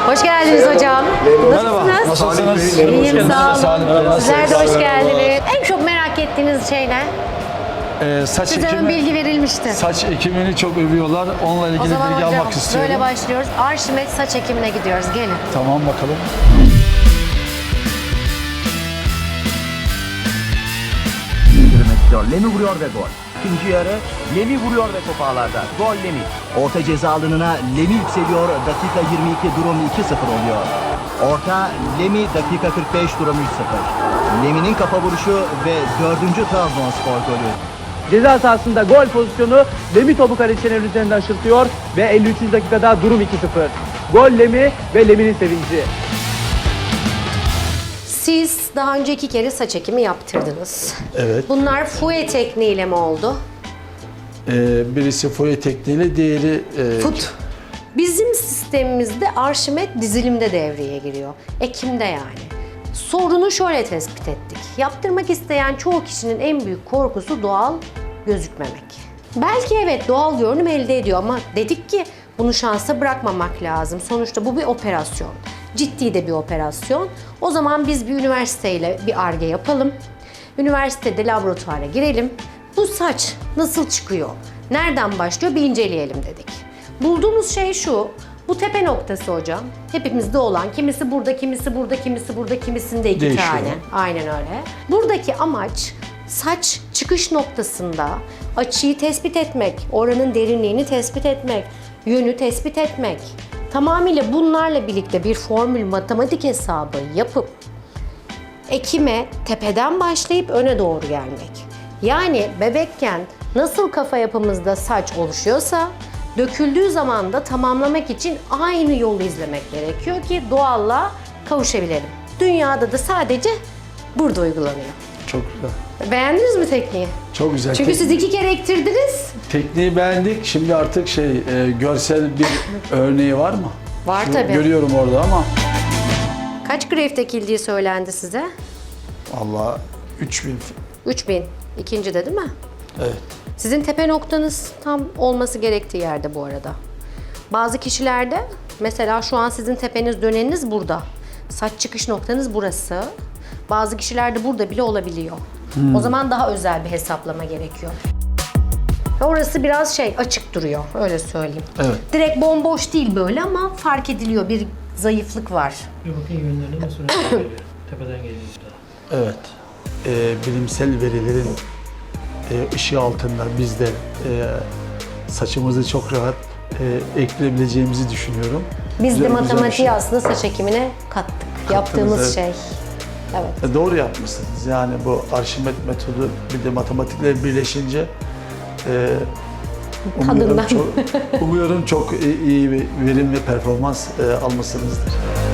Hoş geldiniz hocam. Merhaba, nasılsınız? İyiyim, sağ olun. Sağ Sizler de hoş geldiniz. En çok merak ettiğiniz şey ne? Saç Size ön ekimi, bilgi verilmişti. saç ekimini çok övüyorlar. Onunla O ilgili zaman bilgi hocam almak istiyorum. böyle başlıyoruz. Arşimet saç ekimine gidiyoruz. Gelin. Tamam bakalım. Lemi vuruyor ve gol. İkinci yarı Lemi vuruyor ve top ağlarda. Gol Lemi. Orta ceza alanına Lemi yükseliyor. Dakika 22 durum 2-0 oluyor. Orta Lemi dakika 45 durum 3-0. Lemi'nin kafa vuruşu ve 4. Trabzonspor golü. Ceza sahasında gol pozisyonu Lemi topu kalecilerin üzerinden aşırtıyor ve 53. dakikada durum 2-0. Gol Lemi ve Lemi'nin sevinci. Siz daha önce 2 kere saç ekimi yaptırdınız. Evet. Bunlar fouet tekniğiyle mi oldu? Birisi foye tekniğiyle, diğeri Fut. Bizim sistemimizde arşimet dizilimde devreye giriyor. Ekimde yani. Sorunu şöyle tespit ettik. Yaptırmak isteyen çoğu kişinin en büyük korkusu doğal gözükmemek. Belki evet doğal görünüm elde ediyor ama dedik ki bunu şansa bırakmamak lazım. Sonuçta bu bir operasyon. Ciddi de bir operasyon. O zaman biz bir üniversiteyle bir Ar-Ge yapalım. Üniversitede laboratuvara girelim. Bu saç nasıl çıkıyor? Nereden başlıyor? Bir inceleyelim dedik. Bulduğumuz şey şu. Bu tepe noktası hocam. Hepimizde olan. Kimisi burada, kimisi burada, kimisi burada, kimisinde 2 Değişiyor. tane. Aynen öyle. Buradaki amaç saç çıkış noktasında açıyı tespit etmek, oranın derinliğini tespit etmek, yönü tespit etmek. Tamamıyla bunlarla birlikte bir formül matematik hesabı yapıp ekime tepeden başlayıp öne doğru gelmek. Yani bebekken nasıl kafa yapımızda saç oluşuyorsa döküldüğü zaman da tamamlamak için aynı yolu izlemek gerekiyor ki doğalla kavuşabilelim. Dünyada da sadece burada uygulanıyor. çok güzel. Beğendiniz mi tekniği? Çok güzel. Çünkü siz 2 kere ektirdiniz. Tekniği beğendik. Şimdi artık görsel bir örneği var mı? Var tabii. Görüyorum orada ama Kaç greft ekildiği söylendi size? Allah 3000. 3000. İkincide değil mi? Evet. Sizin tepe noktanız tam olması gerektiği yerde bu arada. Bazı kişilerde mesela şu an sizin tepeniz döneniniz burada. Saç çıkış noktanız burası. Bazı kişilerde burada bile olabiliyor. O zaman daha özel bir hesaplama gerekiyor. Orası biraz açık duruyor öyle söyleyeyim. Evet. Direkt bomboş değil böyle ama fark ediliyor bir zayıflık var. Bir bakın yönlerine nasıl örnek veriyor. Tepeden geliyor daha. Evet. Bilimsel verilerin ışığı altında biz de saçımızı çok rahat ekleyebileceğimizi düşünüyorum. Biz de Güzel bir matematiği şey. aslında saç ekimine kattık. Yaptığımız evet. şey. Evet. Doğru yapmışsınız. Yani bu Arşimet metodu bir de matematikle birleşince umuyorum Tadından. umuyorum çok iyi bir verim ve performans almışsınızdır.